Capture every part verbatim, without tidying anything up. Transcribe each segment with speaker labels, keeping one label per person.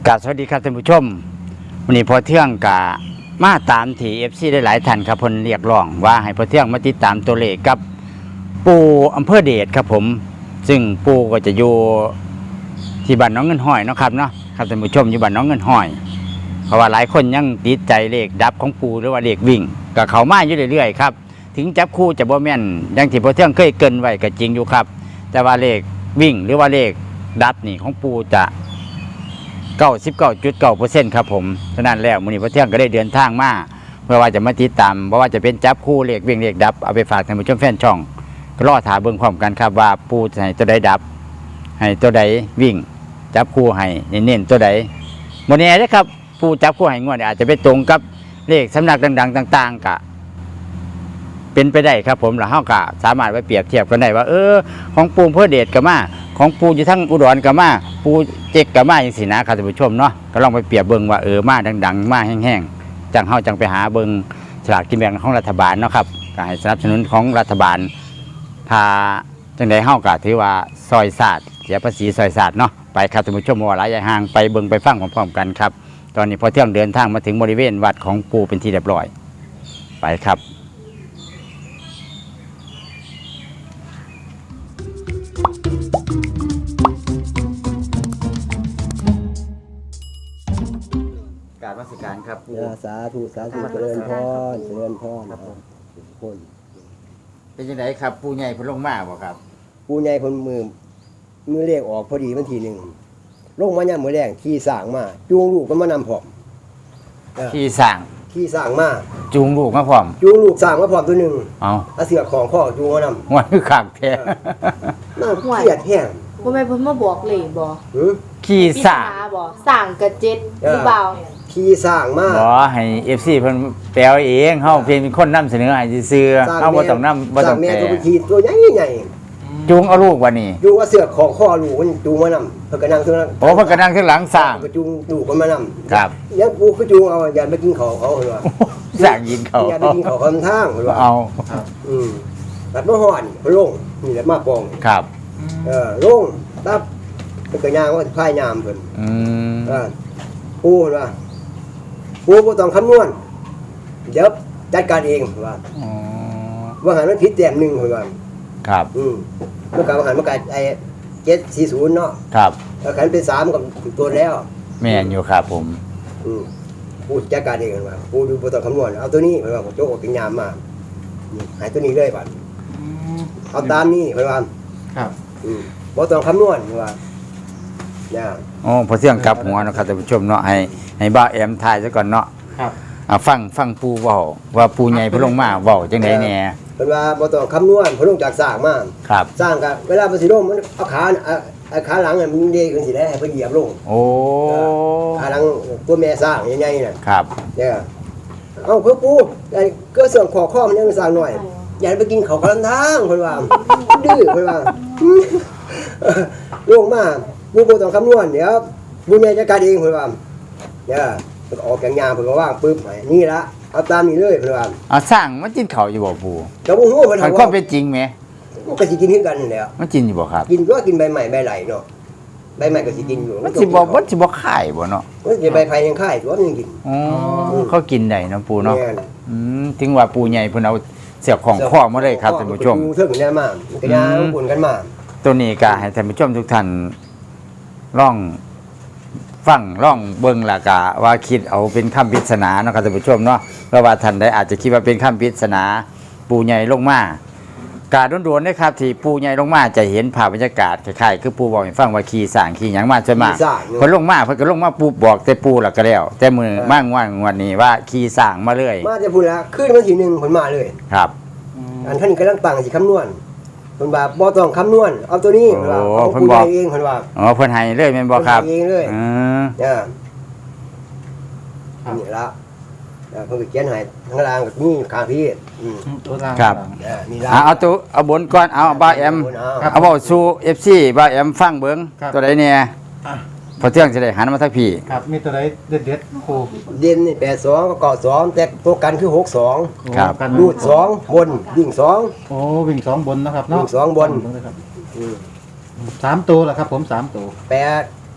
Speaker 1: กราบสวัสดีครับท่านผู้ชมวันนี้พอเที่ยงกะมาตามที่ เอฟ ซี ได้หลายท่านครับพลเรียกร้องว่าให้พอเที่ยงมาติดตามตัวเลขกับปูอำเภอเดชครับผมซึ่งปูก็จะอยู่ที่บ้านน้องเงินห้อยเนาะครับเนาะครับท่านผู้ชมอยู่บ้านน้องเงินห้อยเพราะว่าหลายคนยังติดใจเลขดับของปูหรือว่าเลขวิ่งก็เข้ามาอยู่เรื่อยๆครับถึงจับคู่จะบ่แม่นอย่างที่พอเที่ยงเคยเกินไว้ก็จริงอยู่ครับแต่ว่าเลขวิ่งหรือว่าเลขดับนี่ของปูจะเก้าสิบเก้าจุดเก้าเปอร์เซ็นต์ครับผมฉะนั้นแล้วมื้อนี้พอเที่ยงก็ได้เดินทางมาเพื่อว่าจะมาติดตามเพราะว่าจะเป็นจับคู่เลขวิ่งเลขดับเอาไปฝากท่านผู้ชมแฟนช่องก็รอถาเบิ่งพร้อมกันครับว่าปูจะให้ตัวใดดับให้ตัวใดวิ่งจับคู่ให้เน้นๆตัวใดมื้อนี้นะครับปูจับคู่ให้งวดอาจจะไปตรงกับเลขสำนักดังๆต่างๆกะเป็นไปได้ครับผมแล้วเฮาก็สามารถไปเปรียบเทียบกันได้ว่าเออของปูเพื่อเดชก็มาของปูอยู่ทั้งอุดรก็มาปูเจ๊กก็มาอย่างสินะครับท่านผู้ชมเนาะก็ลองไปเปรียบเบิ่งว่าเออมาดังๆมาแห้งๆจังเฮาจังไปหาเบิ่งฉลากกินแบ่งของรัฐบาลเนาะครับก็ให้สนับสนุนของรัฐบาลถ้าจังได๋เฮาก็ถือว่าซอยศาสตร์เสียภาษีซอยศาสตร์เนาะไปครับท่านผู้ชมว่าหลายอย่างห่างไปเบิ่งไปฟังพร้อมๆกันครับตอนนี้พอเที่ยงเดินทางมาถึงบริเวณวัดของปูเป็นที่เรียบร้อยไปครับกราบนมัสการครับปู
Speaker 2: สาธุสาธุเจริญพรเจริญพรครับทุกคน
Speaker 1: เป็นยังไงครับปูใหญ่พุ่นลงมาบ่ครับ
Speaker 2: ปูใหญ่คนมือมือเลขออกพอดีวันที่หนึ่งลงมาเนี่ยมือแรงขี่สร้างมาจูงลูกก็มานำผอม
Speaker 1: ขี่สร้าง
Speaker 2: ขี่สร้างมา
Speaker 1: จูงลูกมาพร้อม
Speaker 2: จูงลูกสร้างมาพร้อมตัวหนึ่ง
Speaker 1: เอา
Speaker 2: เอาเสือของข้อจูงมานำ
Speaker 1: ว่าคือขากแท้
Speaker 2: น่าเครียดแห้ง
Speaker 3: บ่แม่นเพิ่นมาบอกเลยบ่
Speaker 1: ขี่สร้าง
Speaker 3: บ่สร้างกระเจ็ดหรือเปล่า
Speaker 2: ขี่สร้างมา
Speaker 1: บ่ให้ เอฟ ซี เพิ่นแปลเองเฮาเพียงเป็นคนนำเสนอให้ซื่อๆเฮาบ่ต้องนำบ่ต้องแปล
Speaker 2: ตัวขี่ตัวใหญ่
Speaker 1: ๆจูงเอาลูกว่านี่
Speaker 2: จูงเอาเสือของข้อลูกมันจูงมานำเพิ่นก็นั่งข้างหลัง
Speaker 1: โอ้เพิ่นก็นั่งข้างหลังสร้าง
Speaker 2: ก็จูงลูกมันมานำ
Speaker 1: ครับ
Speaker 2: ยังปูคือจูงเอาอย่าไปกินข้าวเขาเพิ่นว่า
Speaker 1: สร้างยินเขา
Speaker 2: อย่าไปกินข้าวคำทางเพิ่นว่า
Speaker 1: เอา
Speaker 2: อืมตัดบ่ฮอดเพิ่นลงนี่แหละมาปอง
Speaker 1: ครับ
Speaker 2: เออลงตับเพิ่นก็ย่างว่าพายยามเพิ่น
Speaker 1: อืม
Speaker 2: เออปูเพิ่นว่าปูบ่ต้องคำนวณเดี๋ยวจัดการเองว่า
Speaker 1: อ๋อ
Speaker 2: ว่าหันมันผิดแต้มนึงเพิ่นว่า
Speaker 1: ครับ
Speaker 2: อืมเมื่อก่อนว่าหันมันก็ไอ้เจ็ดสี่ศูนย์เนาะ
Speaker 1: ครับ
Speaker 2: แล้วคันเป็นสามก็ตัวแล้ว
Speaker 1: แม่นอยู่ครับผม
Speaker 2: อืมปูจัดการเองว่าปูดูบ่ต้องคำนวณเอาตัวนี้เพิ่นว่าโจกเป็นยามมานี่หายตัวนี้เลยบัดอืมเอาตามนี้เพิ่นว่า
Speaker 1: ครับ
Speaker 2: อืมบ่ต้องคำนวณเพิ่นว่าเนี่ย
Speaker 1: อ๋อพอเที่ยงกลับหัวนะครับท่านผู้ชมเนาะให้ให้บ้าแอมทายซะก่อนเนาะ
Speaker 2: ครับ
Speaker 1: อ่าฟังฟังปูเว้าว่าปูใหญ่เพิ่นลงมาเว้าจังได๋แหน่
Speaker 2: เพิ่นว่าบ่ต้องคำนวณเพิ่นลงจากสร้างมา
Speaker 1: ครับ
Speaker 2: สร้างก็เวลาเพิ่นสิลงมันเอาขาเอาขาหลังมันเด้ขึ้นสิได้ให้เพิ่นเหยียบลง
Speaker 1: โอ้
Speaker 2: ขาหลังตัวแม่สร้างใหญ่ๆน่ะ
Speaker 1: ครับ
Speaker 2: เนี่ยเอ้าเพิ่นปูไอ้ก็เสื่อมข้อข้อมันยังสร้างหน่อยอย่าไปกินข้าวกลางทางเพิ่นว่าดื้อเพิ่นว่าลงมาปูบ่ต้องคำนวณเดี๋ยวปูใหญ่จัดการเองเพิ่นว่าเนี่ยเพิ่นออกแกงยางเพิ่นก็วางปึ๊บให้นี่ละเอาตามนี้เลยเพิ่นว่า
Speaker 1: อ่าสร้างมันกินข้าวอยู่บ่ปู
Speaker 2: ก็บ่ฮู้เพิ่น
Speaker 1: ว่ามันความเป็นจริงแหม
Speaker 2: มันก็สิกินคือกันนั่นแหละ
Speaker 1: มันกินอยู่บ่ครับ
Speaker 2: กินก็กินใบใหม่ใบไหลเนาะใบใหม่ก็สิกินอยู่
Speaker 1: มันสิบ่มันสิบ่คายบ่เนาะ
Speaker 2: มันสิใบไผ่ยังคายตัวมันยังกิน
Speaker 1: อ๋อเขากินได้เนาะปูเนาะอืมถึงว่าปูใหญ่เพิ่นเอาเสือกของข้อมาเลยครับท่านผู้ชม
Speaker 2: เทิงแน่มากก็ย่างปนกันมา
Speaker 1: ตัวนี้ก็ให้ท่านผู้ชมทุกท่านลองฟังล่องเบิ่งล่ะกะว่าคิดเอาเป็นคำปริศนาเนาะครับท่านผู้ชมเนาะเพราะว่าท่านได้อาจจะคิดว่าเป็นคำปริศนาปูใหญ่ลงมากาโดนๆนะครับที่ปูใหญ่ลงมาจะเห็นภาพบรรยากาศคล้ายๆคือปูบอกให้ฟังว่าขี่สร้างขี่หยังมาใช่มั้ยเพิ่นลงมาเพิ่นก็ลงมาปูบอกแต่ปูล่ะก็แล้วแต่มือมางวันวันนี้ว่าขี่สร้างมาเลย
Speaker 2: มาจะพูดละขึ้นวันที่หนึ่งเพิ่นมาเลย
Speaker 1: ครับ
Speaker 2: อันท่านกำลังตั้งสิคำนวณเพิ่นว่าบ่ต้องคำนวณเอาตัวนี้เพิ่นว่าเอาปูใหญ่เองเพิ่นว่า
Speaker 1: อ๋อเพิ่นให้เลยแม่นบ่ครับ
Speaker 2: เองเลย
Speaker 1: อือ
Speaker 2: เนี่ยนี่ละเพิ่นก็เขียนให้ข้างล่างก็มีข้างพี่อืม
Speaker 1: ตัวล่างครับ
Speaker 2: นี่ละ
Speaker 1: เอาตัวเอาบนก่อนเอาบ่าแอมเอาเว้าสู่ เอฟ ซี บ่าแอมฟังเบิ่งตัวใดแน่พอเที่ยงจะได้หันมาทางพี่
Speaker 4: ครับมีตัวใดเด็ดๆครู
Speaker 2: เด่นนี่แปดสองก็เก้าสองแต่ตัวกันคือหกสอง
Speaker 1: ครับ
Speaker 2: รูดสองบนวิ่งสอง
Speaker 4: โอ้วิ่งสองบนนะครับเนาะ
Speaker 2: วิ่งสองบน
Speaker 4: สามตัวแหละครับผมสามตัว
Speaker 2: แปด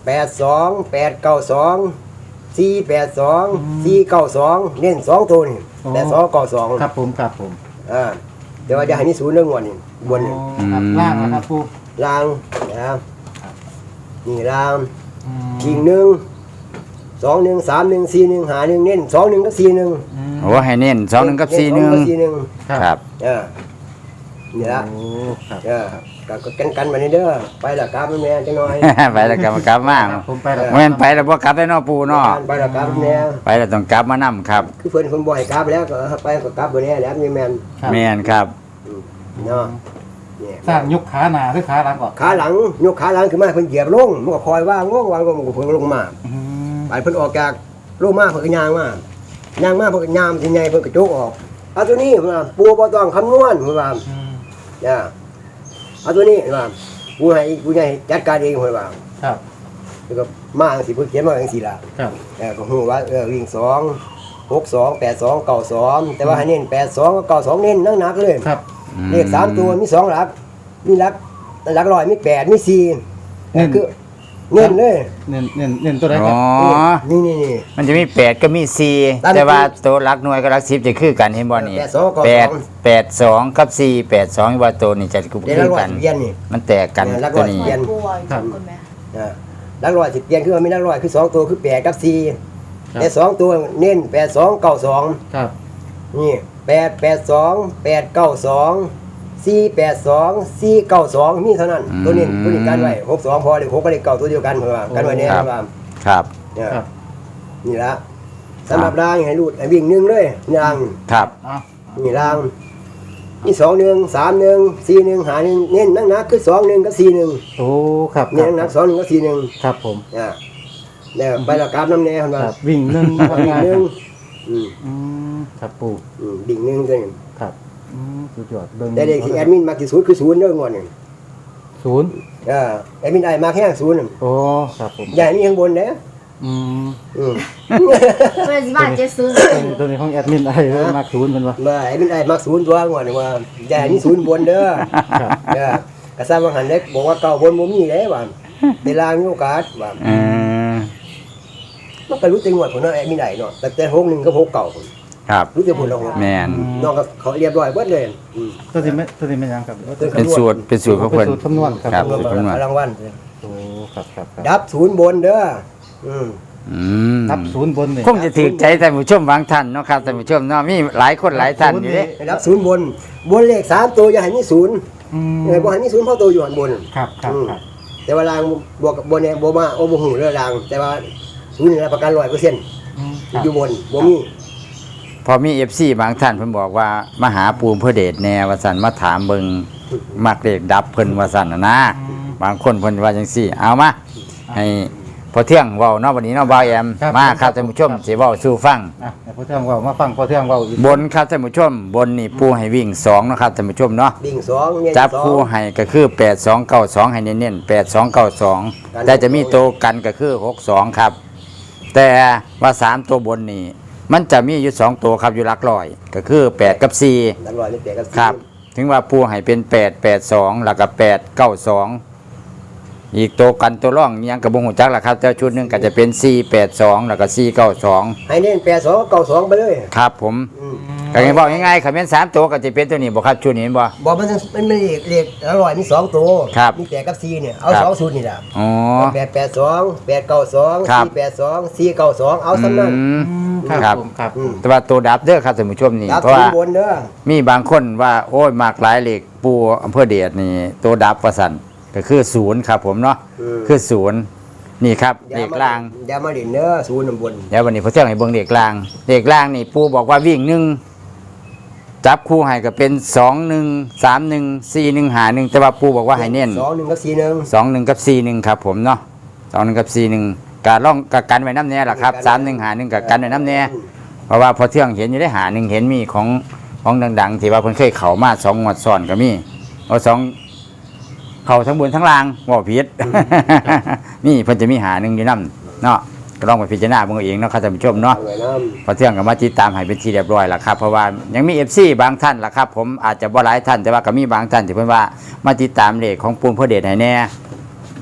Speaker 2: แปดสองแปดเก้าสองสี่แปดสองสี่เก้าสองเน้นสองตัวนี่แปดสองเก้าสอง
Speaker 4: ครับผมครับผม
Speaker 2: อ่าเดี๋ยวว่าจะให้มีศูนย์เรื่องวันนี่บนนี่
Speaker 4: อ๋อครับล่างนะครับปู
Speaker 2: ลางนะครับนี่ลาง
Speaker 4: อืม
Speaker 2: ยิงหนึ่งสองหนึ่งสามหนึ่งสี่หนึ่งหาหนึ่งเน้นสองหนึ่งกับสี่หนึ่ง
Speaker 4: อืม
Speaker 1: โอ้ให้เน้นสองหนึ่งกับสี่หนึ่ง
Speaker 2: สี่หนึ่ง
Speaker 1: ครับ
Speaker 2: เออนี่ละ
Speaker 4: โอ้ครับ
Speaker 2: เออก็กันกันมานี่เด้อไปละกราบแม่จังหน่อย
Speaker 1: ไปแล้วกลับมากลับมา
Speaker 4: ครับผมไปแล้ว
Speaker 1: เมื่อไปแล้วบ่กลับได้เนอปูเนาะ
Speaker 2: ไปละกราบแม่
Speaker 1: ไปแล้วต้องกลับมานํครับ
Speaker 2: คือเพิ่นคนบ่ให้กราบแล้วก็ไปก็กราบบ่แน่แล้วนี่แม่น
Speaker 4: ครับ
Speaker 1: แม่นครับ
Speaker 2: อืมเนาะเนี่ย
Speaker 4: สร้างยกขาหน้าหรือขาหลังก่อน
Speaker 2: ขาหลังยกขาหลังขึ้นมาเพิ่นเหยียบลงมันก็คอยว่างงวางก็มันก็เพิ่นลงมา
Speaker 4: อืม
Speaker 2: ไปเพิ่นออกจากลงมาเพิ่นก็ย่างมาย่างมาเพิ่นก็ยามสิใหญ่เพิ่นก็โจกออกเอาตัวนี้เพิ่นว่าปูบ่ต้องคำนวณเพิ่นว่า
Speaker 4: อืม
Speaker 2: เนี่ยเอาตัวนี้เพิ่นว่าปูให้ปูให้จัดการเองเพิ่นว่า
Speaker 4: ครับ
Speaker 2: แล้วก็มาจังซี่เพิ่นเขียนมาจังซี่ล่ะ
Speaker 4: ครับ
Speaker 2: เออก็ฮู้ว่าเออวิ่งสอง หกสอง แปดสอง เก้าสองแต่ว่าให้เน้นแปดสองกับเก้าสองเน้นหนักๆเลย
Speaker 4: ครับ
Speaker 2: เลขสามตัวมีสองหลัก มีหลักหลักร้อยมีแปดมีสี่
Speaker 4: เน้น
Speaker 2: คือเน้นเลย
Speaker 4: เน้นเน้นเน้นตัวไหนค
Speaker 1: อ๋
Speaker 4: รั
Speaker 1: อ
Speaker 4: บ
Speaker 2: นี่นี่นี่
Speaker 1: มันจะมีแปดก็มีสี่
Speaker 2: ตาม
Speaker 1: แต่ว่าตัวหลักหน่วยกับหลักสิบจะคือกันเห็นบ่นี่
Speaker 2: แปดสองกับ
Speaker 1: แปด
Speaker 2: สอง
Speaker 1: แปดสองกับสี่แปดสองว่าตัวนี่จะคือ
Speaker 2: เดี๋ยวหลักร้อ
Speaker 1: กั
Speaker 2: ย
Speaker 1: น
Speaker 2: สิเปลี่ยนนี่
Speaker 1: มันแตกกัน
Speaker 2: เนี่ยหลักร้
Speaker 1: ตั
Speaker 2: อ
Speaker 1: วย นี้
Speaker 2: เปลี่ยน
Speaker 3: ป่วยจังคนแม่
Speaker 2: อ่าหลักร้อยสิเปลี่ยนคือว่ามีหลักร้อยคือสองตัวคือแปดกับสี่
Speaker 4: ครับ
Speaker 2: แต่สองตัวเน้นแปดสองเก้าสอง
Speaker 4: ครับ
Speaker 2: นี่แปดแปดสองแปดเก้าสองสี่แปดสองสี่เก้าสองมีเท่านั้นตัวนี้ตัวนี้กันไว้หกสองพอเลยหกก็เลยเก้าตัวเดียวกันเพื่อว่ากันไว้เนี่ย
Speaker 1: ครับ
Speaker 2: เพื่อว่า
Speaker 1: ครับ
Speaker 2: เนี่ย
Speaker 4: ครับ
Speaker 2: นี่ละสำหรับรางให้รูดให้วิ่งหนึ่งเลยราง
Speaker 1: ครับ
Speaker 4: เอา
Speaker 2: นี่รางนี่สองหนึ่งสามหนึ่งสี่หนึ่งหาหนึ่งเน้นนักนักๆคือสองหนึ่งกับสี่หนึ่ง
Speaker 4: โอ้ครับค
Speaker 2: เน้
Speaker 4: รั
Speaker 2: น
Speaker 4: บ
Speaker 2: นักสองหนึ่งกับสี่หนึ่ง
Speaker 4: ครับผม
Speaker 2: อ่าแล้วไปละกราบน้ำแน่คน
Speaker 4: ค
Speaker 2: ว่า
Speaker 4: รับวิ่งหนึ่ง
Speaker 2: วิ่งหนึ่งอืม
Speaker 4: อืมครับปู
Speaker 2: อืมดิ่งหนึ่งเลย
Speaker 4: ครับอืมสุดยอดเบิ่ง
Speaker 2: แต่เด็กที่แอดมินมากที่สุดคือศูนย์เรื่องงวดหนึ่ง
Speaker 4: ศูนย์
Speaker 2: อ่าแอดมินได้มาแค่ศูนย์
Speaker 4: โอ้ครับผม
Speaker 2: ใหญ่นี่ข้างบนเด้อ
Speaker 4: อืม
Speaker 2: อืม
Speaker 3: เพื่อนสิมาเจ็ดซื้อ
Speaker 4: ตัวนี้ตัวนี้ของแอดมินอะไรเริ่มมากศูนย์เป็นวะ
Speaker 2: มาแอดมินได้มาศูนย์ตัวงวดหนึ่งว่าใหญ่นี่ศูนย์บนเด้อ
Speaker 4: ครับ
Speaker 2: เออกระซ้ำว่าหันเล็กบอกว่าเก่าบนบ่มีเลยว่าเวลามีโอกาสว่า
Speaker 1: เออ
Speaker 2: มันก็รู้จังหวัดผมเนาะแอดมินได้เนาะแต่แต่หกหนึ่งก็หกเก่าผม
Speaker 1: ครับ
Speaker 2: รู้จักผลละหก
Speaker 1: แม่น
Speaker 2: น้องก็เขาเรียบร้อยเบิดเลยอืม
Speaker 4: ตัวนี้ไม่ตัวนี้ไม่ยังครับ
Speaker 1: เป็นสูตรเป็นสูตรของ
Speaker 4: เป็
Speaker 1: เพิ่
Speaker 4: น
Speaker 1: น
Speaker 4: สูตรคำนวณครับ
Speaker 1: ครับ
Speaker 2: รวม
Speaker 1: สูตรคำนวณ
Speaker 2: รางวัล
Speaker 4: โอ้ครับครับครับ
Speaker 2: ดับศูนย์บนเด้ออืม
Speaker 1: อืม
Speaker 4: นับศูนย์บนนี่
Speaker 1: คงจะถือใจท่านผู้ชมบางท่านเนาะครับท่านผู้ชมเนาะมีหลายคนหลายท่านอยู่เด้
Speaker 2: ให้ดับศูนย์บน บนเลขสามตัวอย่าให้มีศูนย์
Speaker 4: อืม
Speaker 2: เออบ่ให้มีศูนย์เพราะตัวอยู่อันบน
Speaker 4: ครับครับครับ
Speaker 2: แต่ว่าลางบวกกับบนเนี่ยบ่มาโอ้บ่หูเรื่องลาง แต่ว่าศูนย์นี่รับประกันร้อยเปอร์เซ็นต์
Speaker 4: อืมครับ
Speaker 2: อยู่บนบ่มี
Speaker 1: พอมี เอฟ ซี บางท่านเพิ่นบอกว่ามาหาปูมเพื่อเดชแนวว่าซั่นมาถามเบิ่งมักเลขดับเพิ่นว่าซั่นน่ะนะ
Speaker 4: อืม
Speaker 1: บางคนเพิ่นว่าจังซี่ เอามาให้พอเที่ยงเว้าเนาะวันนี้เนาะบ่าวแอม
Speaker 4: ครับ
Speaker 1: มาครับท่านผู้ชมสิเว้าสู่ฟัง
Speaker 4: อ่ะเดี๋ยวพ่อเที่ยงเว่ามาฟังพ่อเที่ยงเว่าอีก
Speaker 1: บนครับท่านผู้ชม บนนี่ปูให้วิ่งสองเนาะครับท่านผู้ชมเนาะ
Speaker 2: ดิ่งสองเนี่ย
Speaker 1: จับ
Speaker 2: สอง
Speaker 1: คู่ให้ก็คือแปด สอง เก้า สองให้เน้นๆแปด สอง เก้า สอง
Speaker 2: กัน
Speaker 1: แต่จะมีตัวกันก็คือหก สองครับ แต่ว่าสามตัวบนนี่มันจะมีอยู่สองตัวครับอยู่หลักร้อย ก็คือแปดกับสี่
Speaker 2: รับร้อยนี่แปดกับสี่
Speaker 1: ครับ ถึงว่าปูให้เป็นแปด แปด สองแล้วก็แปด เก้า สองอีกตัวกันตัวร่องยังกับบงหูจักล่ะครับแต่ชุดหนึงก็จะเป็นสี่ แปด สองแล้วก็สี่ เก้า สอง
Speaker 2: ให้เน้นแปดสองเก้าสองไปเลย
Speaker 1: ครับผม
Speaker 2: อืม
Speaker 1: ก็ยังบอกง่ายๆคำเป็นสามตัวก็จะเป็นตัวนี้บ่ครับชุดนี้เห็นบ่
Speaker 2: บอกมันมันไม่เลขเลขอร่อยมีสองตัว
Speaker 1: ครับ
Speaker 2: มีแปดกับสี่เนี่ยเอา
Speaker 1: ครับ
Speaker 2: สองสูตรนี่แหละ
Speaker 1: อ๋อ
Speaker 2: แปดแปดสองแปดเก้าสอง
Speaker 1: ครับ
Speaker 2: สี่แปดสองสี่เก้าสองเอาสำนั้น
Speaker 1: อืม
Speaker 4: อืม
Speaker 1: ค
Speaker 4: ค
Speaker 1: รั
Speaker 4: รับ บผมครับ
Speaker 2: อืม
Speaker 1: แต่ว่าตัวดับเด้อครับท่านผู้ชมนี่
Speaker 2: ดับ
Speaker 1: เพราะ
Speaker 2: ศูน
Speaker 1: ว่า
Speaker 2: ย์บนเด้อ
Speaker 1: มีบางคนว่าโอ้ยมากหลายเหล็กปูอำเภอเดชนี่ตัวดับประสันก็คือศูนย์ครับผมเนาะ
Speaker 2: อืม
Speaker 1: คือศูนย์นี่ครับ
Speaker 2: อย่
Speaker 1: เหล็ก
Speaker 2: มา
Speaker 1: ล่าง
Speaker 2: อย่ามาเด่นเด้อศูนย์บน
Speaker 1: เดี๋ยววันนี้พอเที่ยงให้เบิ่งเหล็กล่างเหล็กล่างนี่ปูบอกว่าวิ่งหนึ่งจับคู่ให้ก็เป็นสองหนึ่งสามหนึ่งสี่หนึ่งหาหนึ่งแต่ว่าปูบอกว่าให้เน้น
Speaker 2: สองหนึ่งกับสี่หนึ่ง
Speaker 1: สองหนึ่งกับสี่หนึ่งครับผมเนาะสองหนึ่งกับสี่หนึ่งการล่องกับกันไว้น้ำแน่ล่ะครับสามหนึ่งหาหนึ่งกับกันไว้น้ำแน่ เพราะว่าพอเที่ยงเห็นอยู่ได้หาหนึ่งเห็นมีของของดังๆที่ว่าเพิ่นเคยเข้ามาสองงวดซ้อนก็มีเอาสองเข้าทั้งบนทั้งล่างว่าผิด นี่เพิ่นจะมีหาหนึ่งอยู่นํเนาะก็ลองไปพิจารณาเบิ่งเอาเองเนาะครับท่านผู้ชมเนาะ
Speaker 2: เอาไว้น้
Speaker 1: พอเที่ยงก็มาติดตามให้เป็นที่เรียบร้อยแล้วครับเพราะว่ายังมี เอฟ ซี บางท่านล่ะครับผมอาจจะบ่หลายท่านแต่ว่าก็มีบางท่านที่เพิ่นว่ามาติดตามเลขของปูนเพื่อเดชให้แน่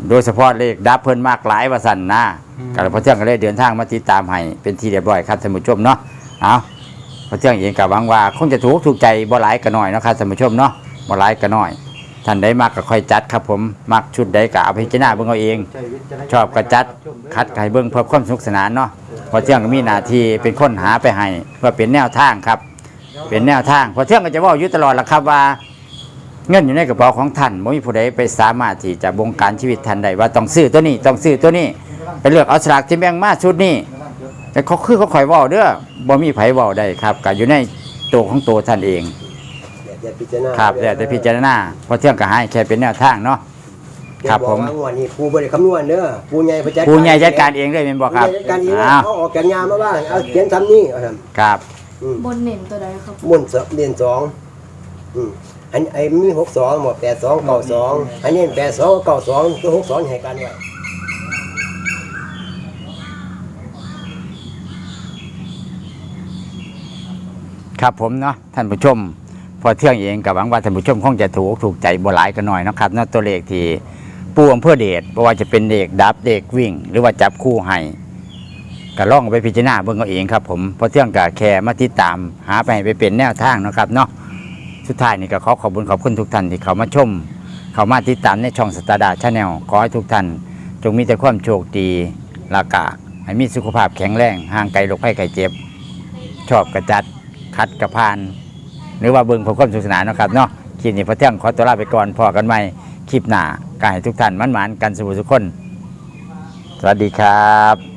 Speaker 1: โดยเฉพาะเลขดับเพิ่นมากหลายว่าสั่นนะก็เลยพอเที่ยงก็เลยเดินทางมาติดตามให้เป็นที่เรียบร้อยครับท่านผู้ชมเนาะเอาพอเที่ยงเองก็หวังว่าคงจะถูกถูกใจบ่หลายก็น้อยเนาะครับท่านผู้ชมเนาะบ่หลายก็น้อยท่านใดมักก็ค่อยจัดครับผมมักชุดใดก็เอาไปพิจารณาเบิ่งเอาเองชอบก็จัดคัดให้เบิ่งเพื่อความสนุกสนานเนาะพอเที่ยงก็มีหน้าที่เป็นคนหาไปให้เพื่อเป็นแนวทางครับเป็นแนวทางพอเที่ยงก็จะเว้าอยู่ตลอดล่ะครับว่าเงินอยู่ในกระเป๋าของท่านไม่มีผู้ใดไปสามารถที่จะบงการชีวิตท่านใดว่าต้องซื้อตัวนี้ต้องซื้อตัวนี้ไปเลือกเอาสลากที่แบ่งมาชุดนี้แต่เขาคือเขาคอยเว้าเด้อบ่มีไผเว้าได้ครับก็อยู่ในตัวของตัวท่านเอง
Speaker 2: แต่พิจารณา
Speaker 1: ครับแล้วแต่พิจารณาพอเที่ยงก็ให้แค่เป็นแนวทางเนาะครับผม
Speaker 2: อกว่างวดนี้ปูบ่ได้คำนวณเด้อปูใหญ่ไปจัด
Speaker 1: ผู้ใหญ่จัดการเองเลยแม่นบ่ครับ
Speaker 2: ผู้ใหญ่จัดการเอง
Speaker 1: อ้าว
Speaker 2: เอาออกจากงานมาบ้างเอาเขียนทำนี่เอาท
Speaker 1: ครับ
Speaker 2: ำอืม
Speaker 3: บนเน่นตัวใดครับ
Speaker 2: บนเสเรียนสองอืมอันไอ้มีหกสองหมดแปดสองเก้าสองอันนี้แปดสองเก้าสองตัวหกสองให้กันไว้
Speaker 1: ครับผมเนาะท่านผู้ชม พอเที่ยงเองกับหวังว่าท่านผู้ชมคงจะถูกถูกใจบ่หลายกันหน่อยเนาะครับเนาะตัวเลขที่ปูอำเภอเดชบ่ว่าจะเป็นเด็กดับเด็กวิ่ง หรือว่าจับคู่ให้ก็ล่องไปพิจารณาเบิ่งเอาเองครับผมพอเที่ยงก็แค่มาติดตามหาไปให้ไปเป็นแนวทางเนาะครับเนาะสุดท้ายนี่ก็ขอขอบคุณขอบคุณทุกท่านที่เขามาชม เขามาติดตามในช่องสตาร์ดาชาแนลขอให้ทุกท่านจงมีแต่ความโชคดีลากาให้มีสุขภาพแข็งแรงห่างไกลโรคภัยไข้เจ็บ ชอบกระจัดคัดกระพาน หรือว่าเบิ่งเพื่อความสนุกสนานเนาะครับเนาะคลิปนี้พอเที่ยงขอตัวลาไปก่อนพอกันใหม่คลิปหน้าก็ให้ทุกท่านมั่นหมานกันสุขสุขคน สวัสดีครับ